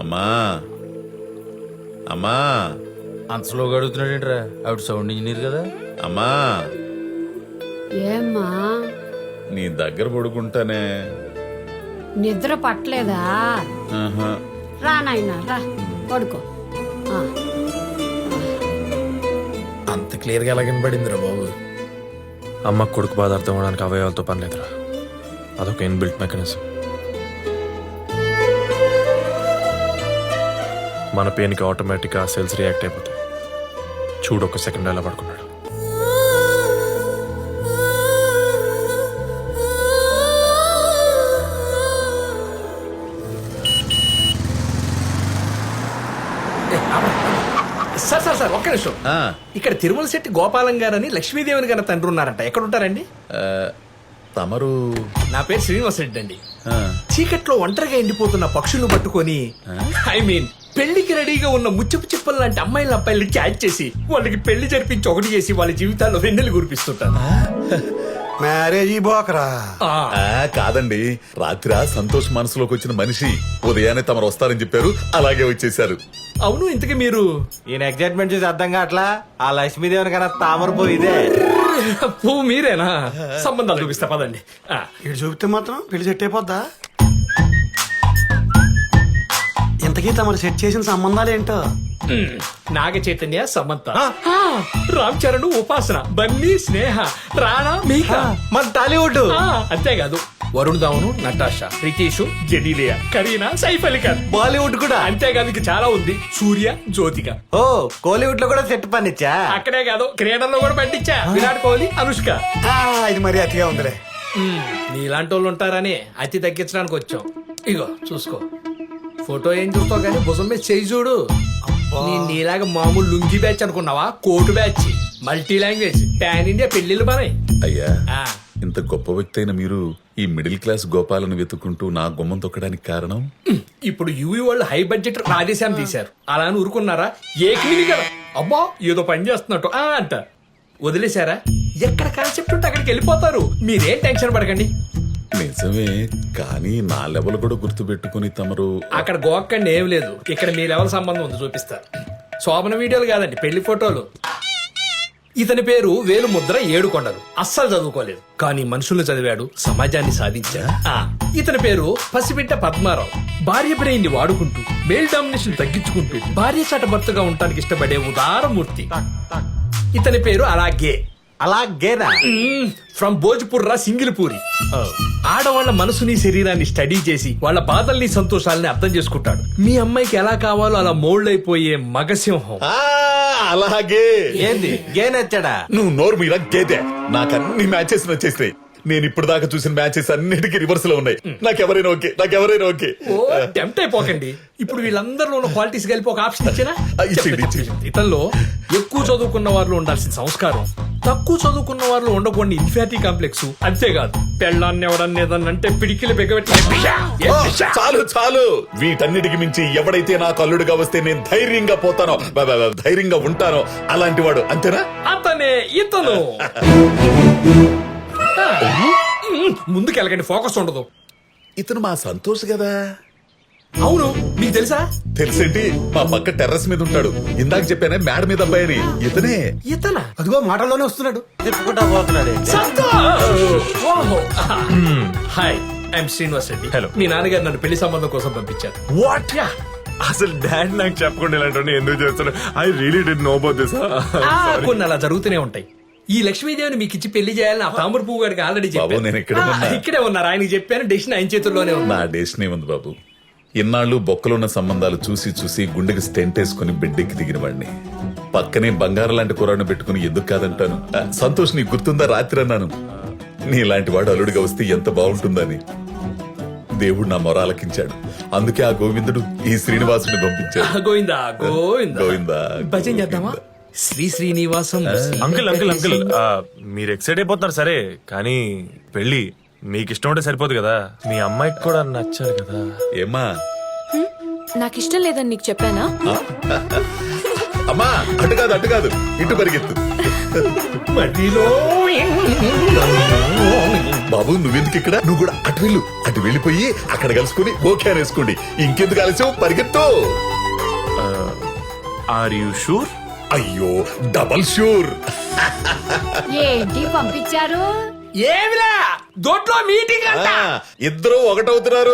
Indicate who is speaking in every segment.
Speaker 1: అమ్మా అమ్మా
Speaker 2: అంత స్లోగా అడుగుతున్నాడేంట్రా? ఆవిడ సౌండ్ ఇంజనీర్ కదా.
Speaker 1: అమ్మా
Speaker 3: ఏమ్మా
Speaker 1: నీ దగ్గర పడుకుంటానే.
Speaker 3: నిద్ర పట్టలేదా?
Speaker 1: ఆహా.
Speaker 3: రా నాయనా రా పడుకో. ఆ,
Speaker 2: అంత క్లియర్ గా ఎలా కనబడిందిరా బాబు?
Speaker 4: అమ్మ కొడుకు బాధ అర్థం అవడానికి అవయవాలతో పని లేదురా, అదొక ఇన్బిల్ట్ మెకానిజం. మన పెయిన్కి ఆటోమేటిక్గా సెల్స్ రియాక్ట్ అయిపోతాయి. చూడు ఒక సెకండ్ ఎలా పడుకున్నాడు.
Speaker 2: సార్ సార్ సార్ ఒక్క నిమిషం.
Speaker 1: ఆ,
Speaker 2: ఇక్కడ తిరుమల శెట్టి గోపాలం గారని లక్ష్మీదేవిని గారి తండ్రి ఉన్నారంట. ఎక్కడ ఉంటారండి?
Speaker 1: తమరు
Speaker 2: నా పేరు శ్రీనివాస్ రెడ్డి అండి.
Speaker 1: ఆ,
Speaker 2: చీకట్లో ఒంటరిగా ఎండిపోతున్న పక్షులు పట్టుకొని ఐ మీన్ పెళ్లికి రెడీగా ఉన్న ముచ్చపు చిప్పలు లాంటి అమ్మాయిల అబ్బాయిలు క్యాచ్ చేసి వాళ్ళకి పెళ్లి జరిపించి ఒకటి చేసి వాళ్ళ జీవితాల్లో వెన్నెలు కురిపిస్తుంటాను.
Speaker 5: మ్యారేజ్ బోకరా.
Speaker 2: ఆ,
Speaker 1: కాదండి, రాత్రి సంతోష్ మనసులోకి వచ్చిన మనిషి ఉదయాన్నే తమరు వస్తారని చెప్పారు, అలాగే వచ్చేసారు.
Speaker 2: అవును, ఇంతకీ మీరు?
Speaker 6: ఈయన ఎగ్జైట్మెంట్ చూసి అర్థం కావట్లా. ఆ లక్ష్మీదేవిని కన్నా తామర పోయిదే.
Speaker 2: పువ్వు మీరేనా? సంబంధాలు చూపిస్తా పదండి. ఆ,
Speaker 5: ఇటు చూపితే మాత్రం పెళ్లి సెట్ అయిపోద్దా? ఇంతకీ తమరు సెట్ చేసిన సంబంధాలు ఏంటో?
Speaker 2: నాగ చైతన్య సమంత, రామ్ చరణ్ ఉపాసన, బన్నీ స్నేహ, రాణా మీకా,
Speaker 6: మన టాలీవుడ్.
Speaker 2: అంతేకాదు వరుణ్ ధావన్, నటాషా, రితీష్, జెనీలియా, కరీనా, సైఫ్ అలీ ఖాన్,
Speaker 6: బాలీవుడ్ కూడా.
Speaker 2: అంతేకాదు ఇంకా చాలా ఉంది. సూర్య, జ్యోతిక.
Speaker 6: ఓ కోలీవుడ్ లో కూడా సెట్ పనిచ్చా.
Speaker 2: అక్కడే కాదు క్రీడల్లో కూడా పండించా. విరాట్ కోహ్లీ, అనుష్క.
Speaker 5: ఇది మరి అతిగా ఉందిలే.
Speaker 2: నీలాంటి వాళ్ళు ఉంటారని అతి తగ్గించడానికి వచ్చాం. ఇగో చూసుకో. ఫోటో ఏం చూస్తావు కానీ భుజం మీద చేయి చూడు. నీలాగా మామూలు లుంగి బ్యాచ్ అనుకున్నావా? Coat batch, multi language, pan India పెళ్లిళ్ళు పనాయి.
Speaker 1: అయ్యా, ఇంత గొప్ప వ్యక్తి అయిన మీరు ఈ మిడిల్ క్లాస్ గోపాలను వెతుక్కుంటూ నా గుమ్మం తొక్కడానికి కారణం?
Speaker 2: ఇప్పుడు యూవీ వాళ్ళు హై బడ్జెట్ రాధేశ్యామ్ తీశారు. అలా అని ఊరుకున్నారా? ఏకమిని కదా అబ్బా ఏదో పని చేస్తున్నట్టు అంట వదిలేశారా? ఎక్కడ కాన్సెప్ట్ ఉంటే అక్కడికి వెళ్ళిపోతారు. మీరేం టెన్షన్ పడకండి.
Speaker 1: నిజమే, కానీ నా లెవెల్ కూడా గుర్తు పెట్టుకుని తమరు
Speaker 2: అక్కడ గోక్కండి ఏం లేదు. ఇక్కడ మీ లెవెల్ సంబంధం ఉంది, చూపిస్తా. శోభన వీడియోలు కాదండి, పెళ్లి ఫోటోలు. ఇతని పేరు వేలుముద్ర ఏడుకొండలు. అస్సలు చదువుకోలేదు, కానీ మనుషుల్ని చదివాడు, సమాజాన్ని సాధించాడు. ఇతని పేరు పసిబిడ్డ పద్మారావు. భార్య బ్రెయిన్ ని వాడుకుంటూ మేల్ డామినేషన్ తగ్గించుకుంటూ భార్య చాట భర్తగా ఉండటానికి ఇష్టపడే ఉదారమూర్తి. ఇతని పేరు అలాగే
Speaker 6: అలాగేనా?
Speaker 2: ఫ్రమ్ భోజ్పుర్రా సింగిల్పూరి. ఆడవాళ్ల మనసుని శరీరాన్ని స్టడీ చేసి వాళ్ళ బాధల్ని సంతోషాలని అర్థం చేసుకుంటాడు. మీ అమ్మాయికి ఎలా కావాలో అలా మోల్డ్ అయిపోయే మగసింహం.
Speaker 1: అలాగే.
Speaker 6: ఏంది గే నచ్చాడా?
Speaker 1: నువ్వు నోరు మీద గేదే. నాకు అన్ని మ్యాచెస్ నచ్చేస్తాయి. నేను ఇప్పుడు దాకా చూసిన మ్యాచెస్ అన్నిటికీ రివర్స్ లో ఉన్నాయి. నాకెవరైనా ఓకే.
Speaker 2: ఓ టెంప్ట్ అయిపోకండి. ఇప్పుడు వీళ్ళందరిలో ఉన్న క్వాలిటీస్ కలిపి ఒక ఆప్షన్ ఇచ్చినా?
Speaker 1: ఇచ్చేయండి.
Speaker 2: ఇతనిలో ఎక్కువ చదువుకున్న వారిలో ఉండాల్సిన సంస్కారం, తక్కువ చదువుకున్న వారిలో ఉండకూడని ఇన్ఫాటీ కాంప్లెక్స్, అంతేకాదు పెళ్ళాన్ని ఎవడన్నేదన్నంటే పిడికిలు బిగబెట్టి.
Speaker 1: చాలు. వీటన్నిటికి మించి ఎవడైతే నాకు అల్లుడుగా వస్తే నేను ధైర్యంగా పోతానో, ధైర్యంగా ఉంటానో అలాంటి వాడు. అంతేనా?
Speaker 2: అతనే ఇతను. ముందుకెళ్ళకండి, ఫోకస్ ఉండదు.
Speaker 1: ఇతను మా సంతోష్ కదా?
Speaker 2: అవును, మీకు తెలుసా?
Speaker 1: తెలిసేంటి, మా పక్క టెర్రస్ మీద ఉంటాడు. ఇందాక చెప్పానే మేడ మీద అబ్బాయి అని. ఇతనే.
Speaker 2: ఇతనా?
Speaker 5: అదిగో మాటల్లోనే వస్తున్నాడు.
Speaker 6: తిప్పుకుంటా పోతున్నాడు.
Speaker 2: Hi, I am Srinivas Reddy.
Speaker 4: Hello.
Speaker 2: మీ నాన్నగారు నన్ను పెళ్లి సంబంధం కోసం పంపించారు.
Speaker 4: వాట్? అసలు డాడ్ నాకు చెప్పకుండా ఇలాంటి ఎందుకు చేస్తాను? I really did know about this.
Speaker 2: కొన్ని అలా జరుగుతూనే ఉంటాయి. ఈ లక్ష్మీదేవిని మీకు ఇచ్చి పెళ్లి చేయాలని ఆ తామర పువ్వు గారికి ఆల్రెడీ
Speaker 1: బాబు, నేను ఇక్కడే ఉన్నా.
Speaker 2: ఇక్కడే ఉన్నారు. ఆయనకి చెప్పాను, డెసిషన్ ఆయన చేతుల్లోనే ఉంది.
Speaker 1: నా డెస్టినీ ఉంది బాబు. ఇన్నాళ్ళు బొక్కలున్న సంబంధాలు చూసి గుండెకి స్టెంట్ వేసుకుని బిడ్డెక్కి దిగిన వాడిని. పక్కనే బంగారం లాంటి కురాను పెట్టుకుని ఎందుకు కాదంటాను. సంతోష్, నీకు గుర్తుందా రాత్రి అన్నాను నీలాంటి వాడు అల్లుడిగా వస్తే ఎంత బాగుంటుందని. దేవుడు నా మొర ఆలకించాడు. అందుకే ఆ గోవిందుడు ఈ శ్రీనివాసుని పంపించాడు.
Speaker 2: గోవిందా గోవిందా
Speaker 1: గోవిందా.
Speaker 2: భజన చేద్దామా? శ్రీనివాసం.
Speaker 4: అంకుల్ మీరు ఎక్సైట్ అయిపోతున్నారు సరే, కానీ పెళ్లి మీకు ఇష్టం ఉంటే సరిపోదు కదా, మీ అమ్మాయికి కూడా నచ్చాలి కదా.
Speaker 1: ఏమ్మా?
Speaker 7: నాకు ఇష్టం లేదని నీకు చెప్పానా?
Speaker 1: అమ్మా అటు కాదు ఇటు పరిగెత్తు.
Speaker 2: మధ్యలో
Speaker 1: బాబు నువ్వెందుకు ఇక్కడ? నువ్వు కూడా అటు వెళ్ళిపోయి అక్కడ కలుసుకుని ఓకే వేసుకోండి. ఇంకెందుకు ఆలస్యం, పరిగెత్తు.
Speaker 4: Are you sure?
Speaker 1: అయ్యో డబల్ షూర్.
Speaker 3: ఏంటి పంపించారు?
Speaker 2: ఏమిలా దొడ్లో మీటింగ్ అంట.
Speaker 1: ఇద్దరు ఒకటవుతున్నారు.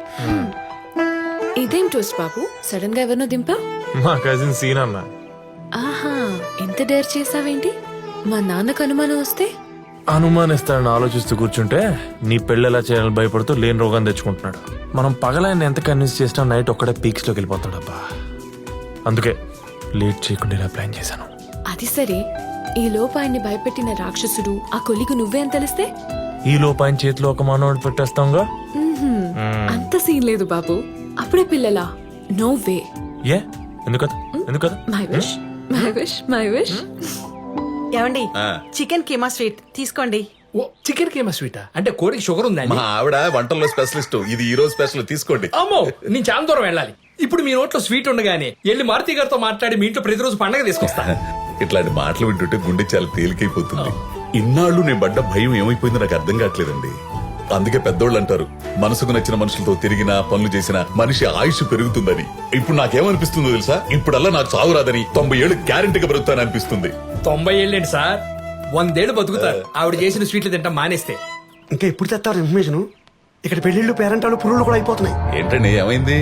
Speaker 7: ఇదేం ట్విస్ట్ బాబు, సడన్ గా ఎవరినో దింపా?
Speaker 4: మా కజిన్ సీన్ అన్న.
Speaker 7: ఆహా, ఎంత డేర్ చేసావేంటి? మా నాన్నకు అనుమానం వస్తే?
Speaker 4: అనుమానిస్తాడని ఆలోచిస్తూ కూర్చుంటే నీ పెళ్ళి ఎలా చేయాలని భయపడుతూ లేని రోగం తెచ్చుకుంటున్నాడు. మనం పగలైన ఎంత కన్విన్స్ చేసినా నైట్ ఒక్కడే పీక్స్ లోకి వెళ్ళిపోతాడబ్బా. అందుకే లేట్ చేయకుండా ఇలా ప్లాన్ చేశాను.
Speaker 7: అది సరే, ఈ లోపు ఆయన్ని భయపెట్టిన రాక్షసుడు ఆ కొలిగు నువ్వే అని తెలిస్తే?
Speaker 4: ఈ లోపు ఆయన చేతిలో ఒక మానవుడు పెట్టేస్తాంగా.
Speaker 7: అంత సీన్ లేదు బాబు. అప్పుడే పిల్లలా? No way.
Speaker 4: ఏ ఎందుకదా ఎందుకదా?
Speaker 7: My wish, my wish, my wish.
Speaker 8: ఏమండి చికెన్ కీమా స్వీట్ తీసుకోండి.
Speaker 2: ఓ చికెన్ కేమా స్వీటా? అంటే కోడికి షుగర్ ఉందండి.
Speaker 1: మా ఆవిడ వంటల్లో స్పెషలిస్ట్. ఇది ఈ రోజు స్పెషల్, తీసుకోండి.
Speaker 2: అమ్మో నేను చాలా దూరం వెళ్ళాలి. ఇప్పుడు మీ నోట్లో స్వీట్ ఉండగానే వెళ్ళి మారుతి గారితో మాట్లాడి మీ ఇంట్లో ప్రతిరోజు పండగ తీసుకొస్తా.
Speaker 1: ఇట్లాంటి మాటలు వింటుంటే గుండె చాలా తేలికైపోతుంది. ఇన్నాళ్ళు నేను పడ్డ భయం ఏమైపోయిందో నాకు అర్థం కావట్లేదండి. అందుకే పెద్దోళ్ళు అంటారు, మనసుకు నచ్చిన మనుషులతో తిరిగినా పనులు చేసినా మనిషి ఆయుష్ పెరుగుతుందని. ఇప్పుడు నాకేమనిపిస్తుందో తెలుసా? ఇప్పుడల్లా నాకు చావు రాదని 90 ఏళ్ళు గ్యారెంటీగా బ్రతుకుతాను అనిపిస్తుంది.
Speaker 2: 90 ఏళ్ళేంటి సార్, 100 ఏళ్ళు బతుకుతారు ఆవిడ చేసిన స్వీట్లు తింటాం మానేస్తే.
Speaker 5: ఇంకా ఎప్పుడు తెస్తారు ఇన్ఫర్మేషన్? ఇక్కడ పెళ్లిళ్ళు పేరెంటాలు పురుగులు కూడా అయిపోతున్నాయి.
Speaker 1: ఏంటండి ఏమైంది?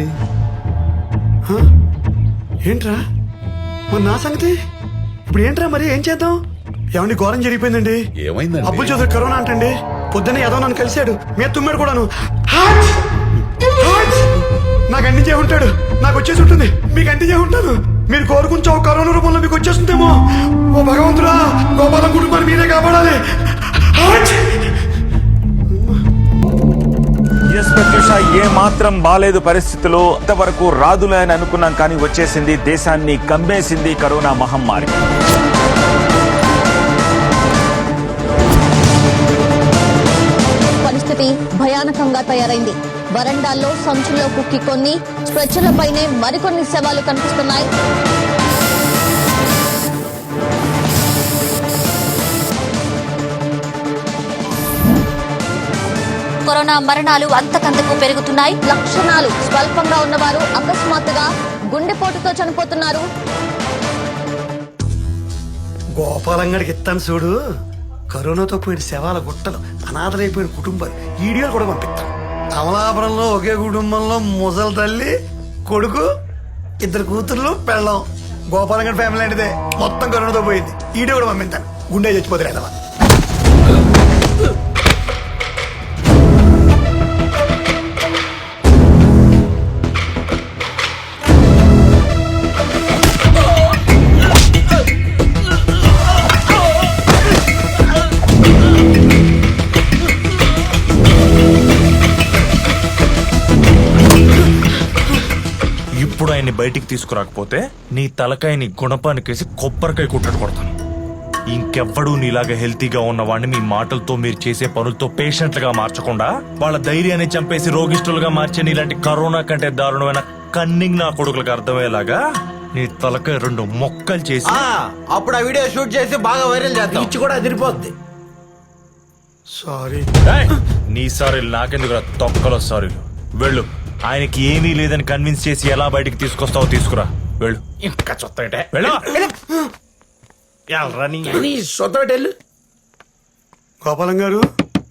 Speaker 5: ఏంట్రా మరి నా సంగతి? ఇప్పుడు ఏంట్రా మరి ఏం చేద్దాం? ఏమండి ఘోరం జరిగిపోయిందండి.
Speaker 1: ఏమైందండి?
Speaker 5: అబ్బుల్ చౌదరి కరోనా అంటండి. పొద్దున్నే ఏదో నన్ను కలిశాడు, మీద తుమ్మాడు కూడాను. హాట్! హాట్! నాకు అందించే ఉంటాడు, నాకు వచ్చేసి ఉంటుంది, మీకు అందించే ఉంటాను. మీరు కోరుకుంటే ఒక కరోనా రూపంలో మీకు వచ్చేస్తుందేమో. ఓ భగవంతుడా, గోపాలం కుటుంబాన్ని మీరే కాపాడాలి. హాట్!
Speaker 9: ఎస్ ప్రత్యూష, ఏ మాత్రం బాలేదు పరిస్థితులు. అంతవరకు రాదులే అని అనుకున్నాం, కానీ వచ్చేసింది. దేశాన్ని కమ్మేసింది కరోనా మహమ్మారి.
Speaker 10: పరిస్థితి భయానకంగా తయారైంది. వరండాల్లో సంచుల్లో కుక్కి కొన్ని స్ట్రెచ్చర్లపైనే మరికొన్ని శవాలు కనిపిస్తున్నాయి. కరోనా మరణాలు అంతకంతకు పెరుగుతున్నాయి. లక్షణాలు స్వల్పంగా ఉన్నవారు అకస్మాత్తుగా గుండెపోటుతో చనిపోతున్నారు.
Speaker 5: గోపాలంగడికి ఇస్తాను చూడు, కరోనాతో పోయిన శవాల గుట్టలు, అనాథలైపోయిన కుటుంబాలు వీడియోలు కూడా పంపిస్తాం. అమలాపురంలో ఒకే కుటుంబంలో ముసలి తల్లి, కొడుకు, 2 కూతుర్లు, పెళ్ళం. గోపాలంగడి ఫ్యామిలీ లాంటిదే, మొత్తం కరోనాతో పోయింది. వీడియో కూడా పంపిస్తాను. గుండె చచ్చిపోతారు కదా.
Speaker 4: ఇప్పుడు ఆయన్ని బయటికి తీసుకురాకపోతే నీ తలకాయని గుణపానికేసి కొబ్బరికాయ కుట్టడు కొడతాను. ఇంకెవ్వడూ నీలాగా హెల్తీగా ఉన్నవాడిని మీ మాటలతో, మీరు చేసే పనులతో పేషెంట్లుగా మార్చకుండా వాళ్ళ ధైర్యాన్ని చంపేసి రోగిష్ఠులుగా మార్చే నీలాంటి కరోనా కంటే దారుణమైన కన్నింగ్ నా కొడుకులకు అర్థమయ్యేలాగా నీ తలకాయ 2 మొక్కలు చేసి
Speaker 6: అప్పుడు ఆ వీడియో షూట్ చేసి బాగా వైరల్ చేద్దాం.
Speaker 5: ఇచ్చి కూడా అదిరిపోద్ది. సారీ.
Speaker 4: ఏయ్! నీ సారీ నాకెందుకు తొక్కలో సారీ. వెళ్ళు, ఆయనకి ఏమీ లేదని కన్విన్స్ చేసి ఎలా బయటికి తీసుకొస్తావో తీసుకురా. వెళ్ళు.
Speaker 2: ఇంకా చొత్తటే
Speaker 4: వెళ్ళు.
Speaker 2: సొత్తటెళ్ళు.
Speaker 5: గోపాలం గారు,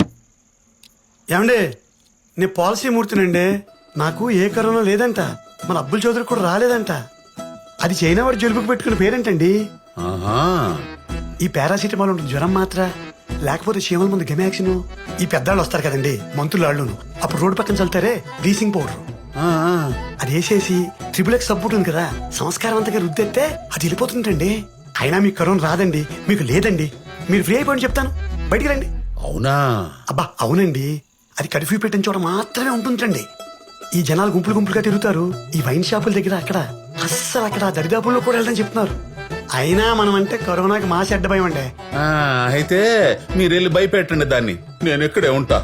Speaker 5: ఏమండి నేను పాలసీ మూర్తినండి. నాకు ఏ కరోనా లేదంట, మన అబ్బుల్ చౌదరి కూడా రాలేదంట. అది చైనా వాడు జలుబుకు పెట్టుకున్న పేరేంటండి?
Speaker 1: ఆహా,
Speaker 5: ఈ పారాసిటమాల్ ఉంటుంది, జ్వరం మాత్ర, లేకపోతే చీమల ముందు గెమాక్సిన్. ఈ పెద్దాళ్ళు వస్తారు కదండి, మంత్రులాళ్ళును, అప్పుడు రోడ్డు పక్కన చల్లుతారే బ్లీచింగ్ పౌడర్, అది వేసేసి XXX సబ్బు ఉంటుంది కదా, సంస్కారం అంతగా రుద్దెత్తే అది వెళ్ళిపోతుంటండి. అయినా మీకు కరోనా రాదండి, మీకు లేదండి, మీరు ఫ్రీ అయిపోయి చెప్తాను, బయటికి రండి.
Speaker 1: అవునా?
Speaker 5: అబ్బా అవునండి, అది కర్ఫ్యూ పెట్టిన చోట మాత్రమే ఉంటుందండి. ఈ జనాలు గుంపులు గుంపులుగా తిరుగుతారు ఈ వైన్ షాపుల దగ్గర, అక్కడ అస్సలు అక్కడ దరిదాపుల్లో కూడా వెళ్ళదని చెప్తున్నారు. అయినా మనం అంటే కరోనాకి మాసి అడ్డ భయం అండి.
Speaker 1: అయితే మీరు వెళ్ళి భయపెట్టండి దాన్ని, నేను ఇక్కడే ఉంటా.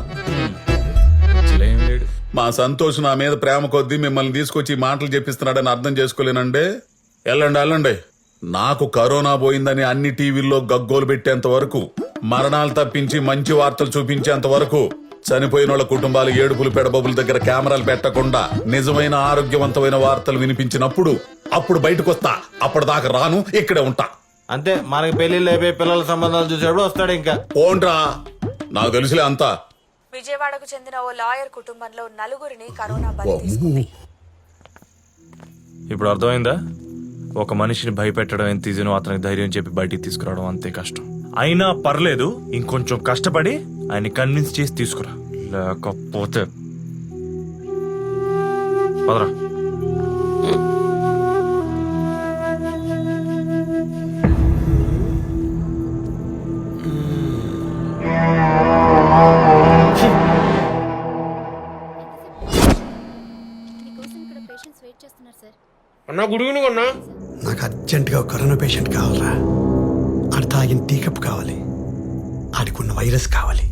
Speaker 1: మా సంతోష్ నా మీద ప్రేమ కొద్దీ మిమ్మల్ని తీసుకొచ్చి మాటలు చెప్పిస్తున్నాడని అర్థం చేసుకోలేనండి. వెళ్ళండి వెళ్ళండి. నాకు కరోనా పోయిందని అన్ని టీవీల్లో గగ్గోలు పెట్టేంత వరకు, మరణాలు తప్పించి మంచి వార్తలు చూపించేంత వరకు, చనిపోయిన వాళ్ళ కుటుంబాలు ఏడుపులు పెడబబుల దగ్గర కెమెరాలు పెట్టకుండా నిజమైన ఆరోగ్యవంతమైన వార్తలు వినిపించినప్పుడు అప్పుడు బయటకు వస్తా. అప్పటిదాకా రాను, ఇక్కడే ఉంటా.
Speaker 6: అంతే, మనకి పెళ్లిళ్ళు అయిపోయి పిల్లల సంబంధాలు చూసేప్పుడు వస్తాడు ఇంకా.
Speaker 1: ఓన్రా, నాకు తెలుసులే అంతా.
Speaker 7: విజయవాడకు చెందిన ఓ లాయర్ కుటుంబంలో నలుగురిని కరోనా బలి తీసుకుంది.
Speaker 4: ఇప్పుడు అర్థమైందా? ఒక మనిషిని భయపెట్టడం ఎంత ఈజీనో అతనికి ధైర్యం చెప్పి బయటికి తీసుకురావడం అంతే కష్టం. అయినా పర్లేదు, ఇంకొంచెం కష్టపడి ఆయన్ని కన్విన్స్ చేసి తీసుకురా, లేకపోతే పదరా.
Speaker 2: అన్నా గుడి అన్నా.
Speaker 5: నాకు అర్జెంటుగా ఒక కరోనా పేషెంట్ కావాలరా. ఆడు తాగిన టీ కప్ కావాలి, ఆడికున్న వైరస్ కావాలి.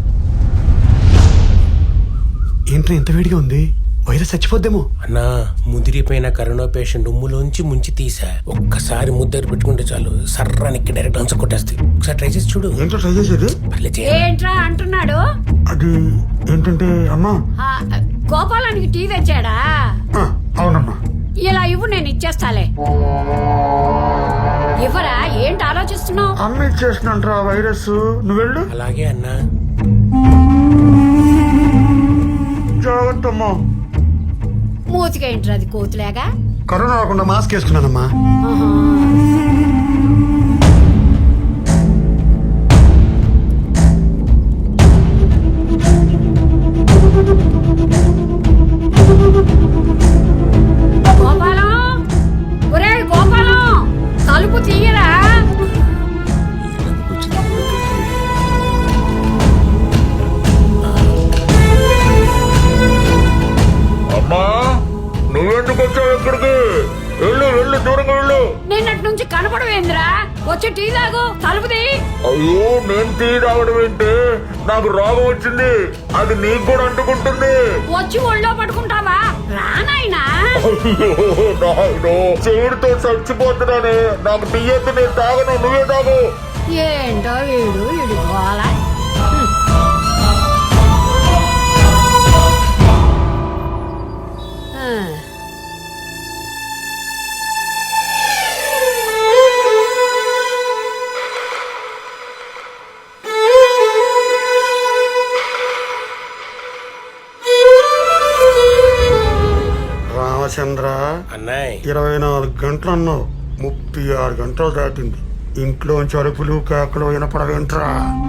Speaker 5: ఏంట్రా ఇంత వేడిగా ఉంది? వైరస్ చచ్చిపోద్దేమో.
Speaker 2: అన్నా, ముదిరిపోయిన కరోనా పేషెంట్ ఉమ్ములోంచి ముంచి తీసా. ఒక్కసారి ముద్దరు పెట్టుకుంటే చాలు, సర్రానికి డైరెక్ట్ ఆన్సర్ కొట్టేస్తాయి. ఒకసారి ట్రై చేసి చూడు.
Speaker 5: ఏంటో ట్రై చేసేది?
Speaker 3: ఏంట్రా అంటున్నాడు?
Speaker 5: అది ఏంటంటే అమ్మా,
Speaker 3: గోపాలానికి టీ తెచ్చాడా?
Speaker 5: అవునమ్మా.
Speaker 3: ఇలా ఇవ్వు, నేను ఇచ్చేస్తాలే. ఇవ్వరా, ఏంటి ఆలోచిస్తున్నావు?
Speaker 5: అమ్మ ఇచ్చేసినంట్రా వైరస్, నువ్వు వెళ్ళు.
Speaker 2: అలాగే అన్నా.
Speaker 5: జాగ్రత్తమ్మా.
Speaker 3: మూతిగా ఏంట్రా అది, కోతులేగా?
Speaker 5: కరోనా రాకుండా మాస్క్ వేసుకున్నానమ్మా.
Speaker 3: గోపాలం, ఒరే గోపాలం, తలుపు తీయరా.
Speaker 1: అమ్మా, నువ్వెందుకు వచ్చావు ఇక్కడికి? వెళ్ళు వెళ్ళు, దూరంగా వెళ్ళు.
Speaker 3: నిన్నటి నుంచి కనపడవేంద్రా? వచ్చి టీ తాగు, తలుపు తీ.
Speaker 1: అయ్యో, నేను టీ తాగడం ఏంటి? నాకు రోగం వచ్చింది, అది నీకు కూడా అంటుకుంటుంది.
Speaker 3: వచ్చి ఒళ్ళో పడుకుంటావా? రానాయనా.
Speaker 1: చెవుడితో చచ్చిపోతున్నానే. నాకు టీ అయితే నేను తాగను, నువ్వే తాగు.
Speaker 3: ఏంటో వీడు ఇడుకోవాలా.
Speaker 5: రామచంద్ర,
Speaker 2: అన్నాయ్,
Speaker 5: 24 గంటలు అన్నావు, 36 గంటలు దాటింది. ఇంట్లోంచి అరుపులు కేకలు వినపడవేంట్రా?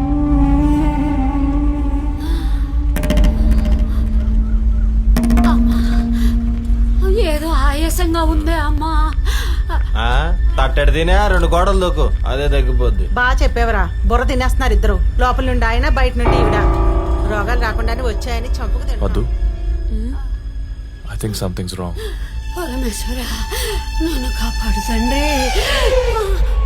Speaker 3: ఏదో ఆయాసంగా ఉందే అమ్మా.
Speaker 6: తట్టెడు తినే 2 గోడలు దూకు, అదే తగ్గిపోద్ది.
Speaker 8: బాగా చెప్పేవరా. బుర్ర తినేస్తున్నారు ఇద్దరు. లోపల నుండి ఆయన, బయట నుండి ఈవిడ. రోగాలు రాకుండానే వచ్చాయని చంపుకు
Speaker 4: వద్దు,
Speaker 8: తింటున్నాం.
Speaker 4: I think something's wrong.
Speaker 3: Parameshwara, నన్ను కాపాడు తండ్రి.